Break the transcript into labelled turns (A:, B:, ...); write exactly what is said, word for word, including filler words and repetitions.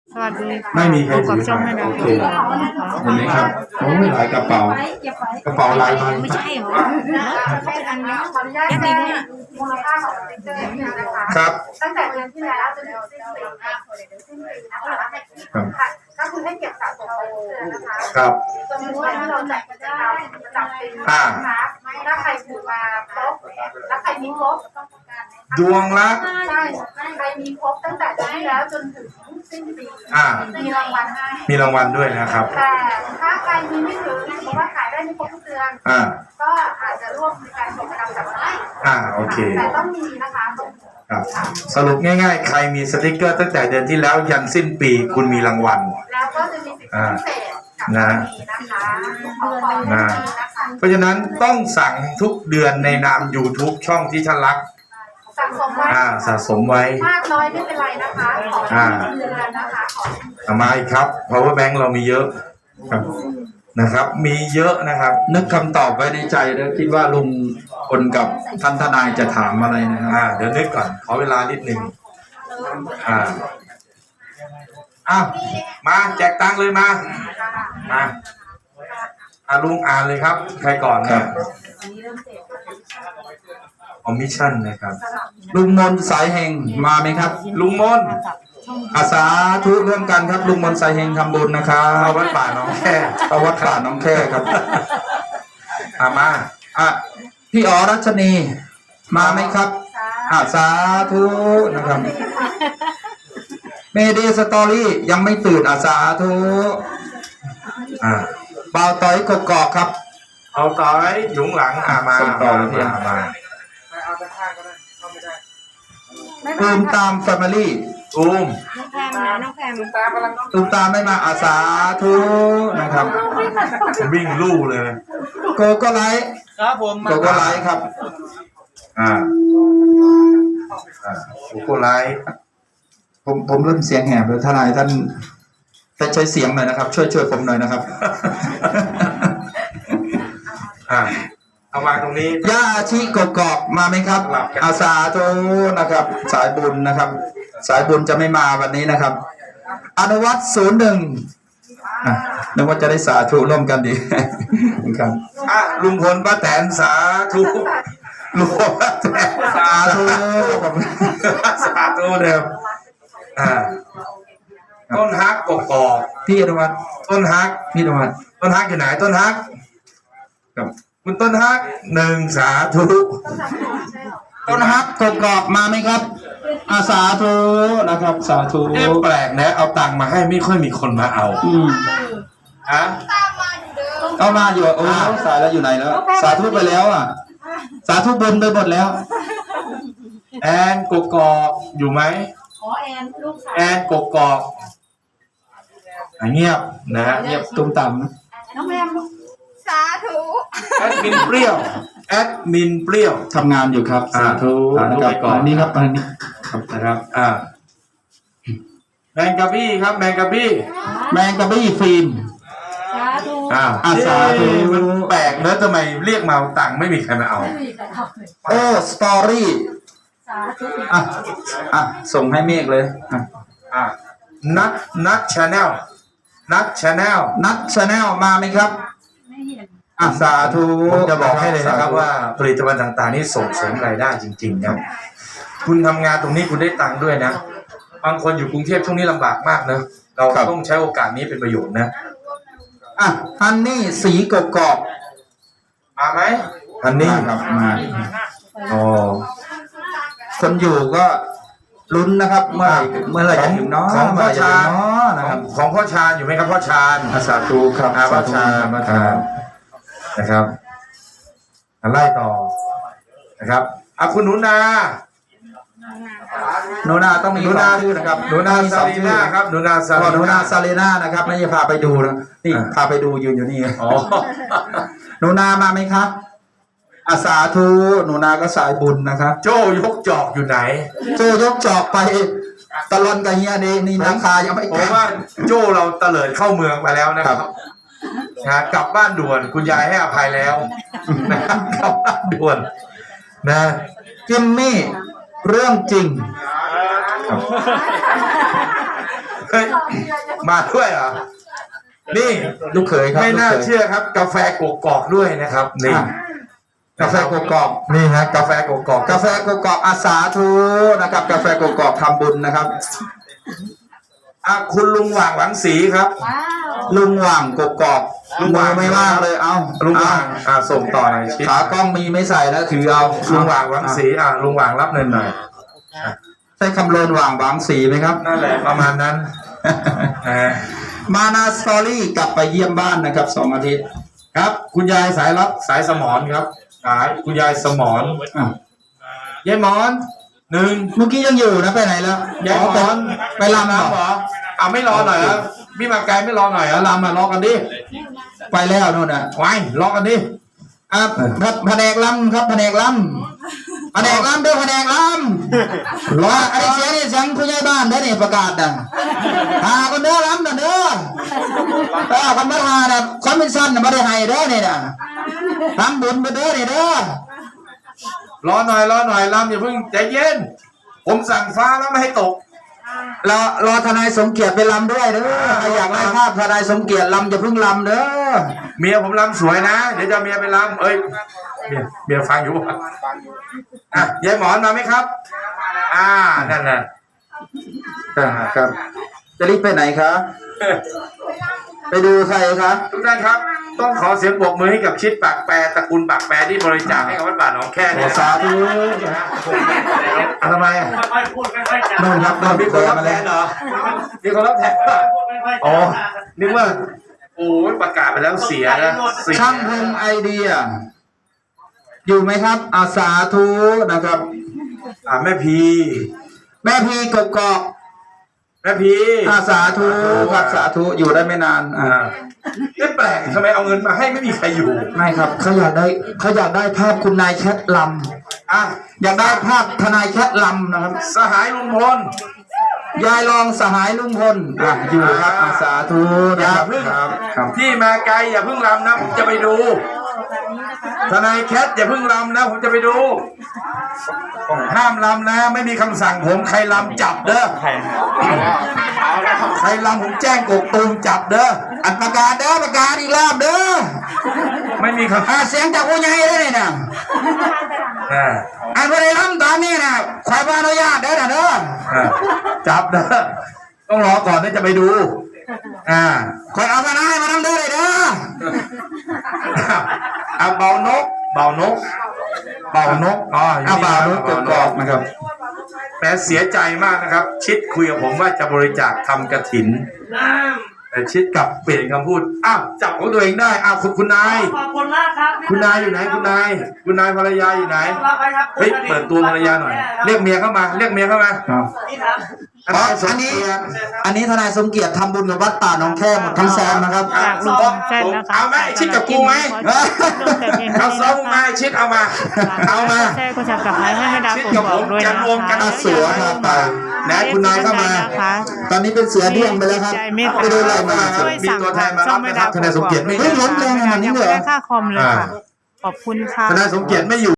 A: สวัสดีค่ะ
B: ไม่มีใคร
A: พบ
B: ถื
A: กับ
B: อ
A: ช่องแม่ดาว
B: โอเคเห็นไหมครับโอ้ยหลายกระเป๋า กระเป๋าลายใบ
A: ไม่ใช่เหรอเขาเป็นอันนี้
C: ขออนุญาต
A: ยัด
C: แจ้
A: ดี
C: ง
A: เนี่ย
C: มูลค่าของสติ๊กเกอร์นะคะ
B: ครับ
C: ตั้งแต่เดือนที่แล้วจนถึงสิ้นปีนะคะสิ้นปีนะคะค่ะก็คือให้เก็บสะสมไปเรื่อยๆนะคะ
B: ครับ
C: จนถึงวันที่เราจัดกิจกรรมประจำปี
B: อ่า
C: นะคะถ้าใครถูกมาครบและใครมีครบ
B: ดวงละ
C: ใช่ใครมีครบตั้งแต่เดือนที่แล้วจนถึงสิ้นปี
B: อ่า
C: มีรางวัลให้
B: มีรางวัลด้วยนะครับ
C: แต่ถ้าใครมีไม่ถึงหรือว่าขายได้ไม่ครบทุกเดือน
B: อ่า
C: ก็อาจจะร่วมในการส่งกำลังจับได้
B: อ่าโอเค
C: แต่ต้องมีนะคะต้อง
B: ครับสรุปง่ายๆ ใครมีสติกเกอร์ตั้งแต่เดือนที่แล้วยันสิ้นปีคุณมีรางวัล
C: แล้วก็จะมีสิทธิพิเศษกับ
B: นะ
C: นี้นะคะขอขอบคุณ
B: นะ
C: นะคะ
B: เพราะฉะนั้นต้องสั่งทุกเดือนในนาม YouTube ช่องที่ท่านรัก
C: สั่งสมไว้
B: อ่าสะสมไว้
C: มากน้อยไม่เป็นไรนะคะขอ
B: อ่า
C: ให้เดือนนะคะขอ
B: เอามาอีกครับ power bank เรามีเยอะครับนะครับ มีเยอะนะครับ
D: นึกคำตอบไว้ในใจแล้วคิดว่าลุงพลกับท่านทนายจะถามอะไรนะครับ
B: อ่าเดี๋ยวนึกก่อนขอเวลานิดหนึ่งอ่าอ้าวมาแจกตังค์เลยมามาอ่าลุงอ่านเลยครับ ใครก่อนครับคอมมิชชั่นนะครับ
D: ลุงมนสายเฮงมาไหมครับ
B: ลุงมน
D: อาสาทุร่วมกันครับลุงมนสายเฮงทำบุญนะครับ
B: เอาวัดป่าหน้องแค่
D: เอาวัดป่าน้องแค่ครับ
B: อามา
D: อ่ะพี่อ๋อรัชนีมาไหมครับอาสาธุนะครับเมเดสตอรี่ยังไม่ตื่นอาสาธุ
B: อ่า
D: เบาต้อยกกอกครับ
B: เอาต่อไว้หยุงหลังอ่ามา
D: ส่งต่อ
B: มา
D: เลย
B: มามา
D: ตูมตามแฟมิลี่
B: ตูม
A: น้องแพมนะน้องแพม
D: ตูมตามไม่มาอาสาธุนะครับ
B: วิ่งลู่เลย
D: โกโก้ไลท์
E: ครับผม
D: โกโก้ไลท์ครับ
B: อ่าอ่าโกโก้ไลท์
D: ผมผมเริ่มเสียงแหบเลยทนายท่านแต่ใช้เสียงหน่อยนะครับ ช่วยช่วยผมหน่อยนะครับ
B: อ่าเอามาตรงนี้
D: ย่าชีกกอกมาไหมครับ
B: หลับกัน
D: อาสาธุนะครับ สายบุญนะครับ สายบุญจะไม่มาวันนี้นะครับ อนุวัตศูนย์หนึ่งนึกว่าจะได้สาธุร่วมกันดี ครับ
B: อ่ะลุงพลป้าแตนสาธุลุงพลป้าแตน
D: สาธุผม
B: สาธุเดิมอ่าต้นฮักกกอก
D: พี่อนุวัต
B: ต้นฮัก
D: พี่อนุวัต
B: ต้นฮักอยู่ไหนต้นฮัก
D: ครับ
B: คุณต้นฮักหนึ่งสาธุ
D: ต้นฮักกกอกมาไหมครับ อาสาธุนะครับ สาธุ
B: เอ๊ะแปลกนะเอาตังค์มาให้ไม่ค่อยมีคนมาเอา
D: อืม
B: ฮะ
D: เอามาอยู่โอ้สายแล้วอยู่ไหนแล้ว สาธุไปแล้วอ่ะ สาธุบุญไปหมดแล้ว
B: แอนกกอกอยู่ไหม
C: ขอแอนลูกสาว
B: แอนกกอกอ่ะเงียบนะฮะเงียบ
D: ตุ้มต่
C: น้องแมมสาธุ
B: แอดมินเปรี้ยวแอดมินเปรี้ยว
D: ำทำงานอยู่ครับ
B: อ่า
D: สาธุ
B: สาธุ
D: นะครับ
B: ไปก่อน
D: อันนี้ครับอันนี้
B: นะครับ อ่าแมงกะบี้ครับ แมงกะบี้
D: แมงกะบี้ฟิล์ม
A: สาธุ
B: อ่า
D: อ่ะสาธุ
B: เอ๊ะมันแปลกเนอะทำไมเรียกมาเอาตังค์ไม่มีใครมาเอา
D: โอ้สตอรี่อ่ะอ่ะส่งให้เมฆเลยอ่ะ
B: อ่านัทนัทชาแนลนัทชาแนล
D: นัทชาแนลมาไหมครับอ่ะสาธุ
B: ผมจะบอกให้เลยนะครับ
D: สธุ
B: ว่าผลิตภัณฑ์ต่างๆนี่ส่งเสริมรายได้จริงๆนะคุณทำงานตรงนี้คุณได้ตังค์ด้วยนะบางคนอยู่กรุงเทพช่วงนี้ลำบากมากนะเราต้องใช้โอกาสนี้เป็นประโยชน์นะ
D: อ่ะฮันนี่สีกกอก
B: มาไหมอันนี้
D: มาครับมา
B: อ๋อ
D: คนอยู่ก็ลุ้นนะครับ เมื่อไหร่เมื่อไหร่จะถึงเนาะ
B: ของพ่อชาญ
D: เมื่อไหร่จะถึงเนาะนะ
B: ข
D: ค
B: อ
D: รั
B: ง
D: บ
B: ของพ่อชาญอยู่ไหมครับพ่อชาญ
D: อาสาธุครับ
B: อ่าพ่อชาญ
D: ส
B: พ่อ
D: ธุ
B: ชาญนะครับอ่ะไล่ต่อนะครับอ่ะคุณหนูนา
D: หนูนาต้องมี
B: หนูนา
D: สองชื่อนะครับ
B: หนูนา
D: มีส
B: ซา
D: อง
B: ลี
D: ชื่อ
B: นาครับหนูนาซา
D: พอหนู
B: ลี
D: นา
B: นา
D: ซาเลน่านะครับไม่ใช่พาไปดูนะนี่
B: อ่ะ
D: พาไปดูยืนอยู่นี่
B: อ๋อ
D: หนูนามาไหมครับอาสาธุหนูนาก็สายบุญนะครับ
B: โจ้ยกจอกอยู่ไหน
D: โจยกจอกไปตะลอนกับเฮียนี่นี่ราคายังไม่
B: ผมว่าโจ้เราเตลิดเข้าเมืองไปแล้วนะค
D: ครั
B: รับบ นะกลับบ้านด่วนคุณยายให้อภัยแล้วนะครับกลับบ้านด่วนนะ
D: จิมมี่เรื่องจริง
B: เฮ้ยมาด้วยเหรอนี่
D: ลูกเขยครับ
B: ไม่น่า
D: ลูกขย
B: เชื่อครับ กาแฟกกอกด้วยนะครับนี่
D: อ่ะกาแฟกกอก
B: นี่ฮะกาแฟกกอก
D: กาแฟกกอกอาสาธุนะครับ กาแฟกกอกทำบุญนะครับ
B: อ่ะคุณลุงหว่างหวังศรีครับ
A: ว้าว
D: ลุงหว่างกกอก
B: ลุงหว่าง
D: มือไม่ว่างเลยเอา
B: ลุงหว่าง
D: เอ
B: อ่ะส่งต่อหน่อยชิด
D: ขากล้องมีไม่ใส่นะถือเอา
B: ลุงหว่างหวังศรีอ่ะลุงหว่างรับเงินหน่อย
D: ใช่คำโลนหว่างหวังสีไหมครับ
B: นั่นแหละประมาณนั้นนะฮะ
D: มานาสตอรี่กลับไปเยี่ยมบ้านนะครับสองอาทิตย์
B: ครับ คุณยายสายรับสายสมอนครับสายคุณยายสมอน
D: อ่ะ
B: ยายหมอนหนึ่ง
D: เมื่อกี้ยังอยู่นะไปไหนแล้ว
B: ยายหมอน
D: ไปลำเหรอ
B: เหรอเอาไม่รอหน่อยเหรอพี่มาไกลไม่รอหน่อยเหรอลำอ่ะรอกันดิ
D: ไปแล้วนู่นน่ะ
B: ไว้รอกันดิ
D: อ่ะครับแผนกลำครับแผนกลำแผนกลำเด้อแผนกลำรอไอ้เสียงนี่เสียงผู้ใหญ่บ้านได้อนี่ประกาศน่ะหาคนเด้อลำน่ะเด้อเออคนมาหาน่ะคนเป็นสั้นน่ะบ่ได้ให้เด้อนี่น่ะทำบุญไปเด้อนี่เด้อ
B: รอหน่อยรอหน่อยลำอย่าเพิ่งใจเย็น ผมสั่งฟ้าแล้วไม่ให้ตก
D: รอรอทนายสมเกียรติไปลำด้วยเด้อใครอยากได้ภาพทนายสมเกียรติลำอย่าเพิ่งลำเด้อ
B: เมียผมลำสวยนะ เดี๋ยวจะเอาเมียไปลำเอ้ยเมียเมียฟังอยู่ป่ะอ่ะยายหมอนมาไหมครับ อ่านั่นน่ะ
D: อ่าครับ จะรีบไปไหนคะไปดูใครคะ
B: ทุกท่านครับ ต้องขอเสียงปรบมือให้กับชิดปากแปรตระกูลปากแปรที่บริจาคให้กับวัดป่าหนองแค่เนี่ย
D: สาธุ
B: อ่ะทำไมอ่ะ
E: ค่อยๆพูดค่อยๆจา
D: นู่นครับ
B: เรา
D: นู่น
B: มีค
D: เดิ
B: น
D: น
B: รับ
D: มา
B: แท
D: แล้ว
B: นเหรอมีคนรับแทนป่ะ
E: พูดค่อยๆ
B: อ๋อ
E: จา
B: นึกว่าโอ้ยประกาศไปแล้วเสียนะเสีย
D: ช่างพงไอเดีย อยู่ไหมครับ อาสาธุนะครับ
B: อ่าแม่พี
D: แม่พีกกอก
B: แม่พี
D: อาสาธุครับสาธุอยู่ได้ไม่นานอ่า
B: อ่าไม่แปลกทำไมเอาเงินมาให้ไม่มีใครอยู่
D: ไม่ครับเขาอยากได้เขาอยากได้ภาพคุณนายแคทล
B: อ่ะ
D: ำอยากได้ภาพทนายแคทลำนะครับ
B: สหายลุงพล
D: ยายรองสหายลุงพลอ่ะอยู่ครับอาสาธุ
B: อ
D: นะ
B: ย่า
D: ครับ
B: เพิ่ง
D: ครับครับ
B: ที่มาไกลอย่าเพิ่งรำนะผมจะไปดู ทนายแคทอย่าเพิ่งรำนะผมจะไปดูห้ามรำนะ ไม่มีคำสั่งผมใครรำจับเด้อใครรำผมแจ้งกกตูมจับเด้อ
D: อัดประกาศเด้อประกาศอีกรอบเด้อ
B: ไม่มีคำ
D: อ่าเสียงจากผู้ใหญ่เด้อนี่นะ
B: อ่า
D: อันบริลัมตอนนี้นะขอใบอนุญาตเด้อนะเด้อ
B: อ่าจับเด้อต้องรอก่อนที่จะไปดูอ่า
D: คอยเอาทนายมาทำเด้อเลยเด้อ
B: เอาเบานก เบานก เบานกอ๋ออยู่
D: เอา
B: นี่
D: บ่าว
B: นะ
D: นุกกอกๆนะครับ
B: แหมเสียใจมากนะครับ ชิดคุยกับผมว่าจะบริจาคทำกระถิน แต่ชิดกลับเปลี่ยนคำพูด อ้าว จับของตัวเองได้ อ้าว คุณคุณนาย
E: ขอบคุณมากครับ
B: คุณนายอยู่ไหน คุณนาย คุณนายภรรยาอยู่ไหน
E: รับไปครับ
B: เฮ้ย เปิดตัวภรรยาหน่อย เรียกเมียเข้ามา เรียกเมียเข้ามา
E: นี่ครับ
B: อัน
D: อ๋อ
B: นี้สม
D: อันนี้
B: เกียรติ
D: อันนี้ทนายสมเกียรติทำบุญกับวัดป่าหนองแค่หมดทั้งแซมนะครับ
B: อ่ะ
F: จากลุงพลแซ่บนะคะ
B: เอาไหมชิดกับกูไหม เอาซ้อมมาชิดเอามา เอามา
F: แซ่บก็จะกลับมาให้ให้ดาว
B: ชิด
F: ผม
B: กับ
F: บ
B: ผ
F: อก
B: ม
F: ด้วย
B: จะ
F: นะ
B: รวมกัน
F: คะ
D: เสือครับไป
B: นะคุณนายเข้ามา
F: นะคะ
D: ตอนนี้เป็นเสือเดี่ยงไปแล้วครับ
F: ใจเมต
D: ไป
F: ตา
D: ดูอะไรมา
F: ช่วยสั่งผ่านช่องไม่ดาวผมบอกด้วย
D: เฮ้ยล้มแรงขนาดนี้
F: ยัง
D: เลย
F: ไม่
D: เหรอ
F: ได้ค่าคอมเลยค่ะ ขอบคุณค่ะ
B: ทนายสมเกียรติไม่อยู่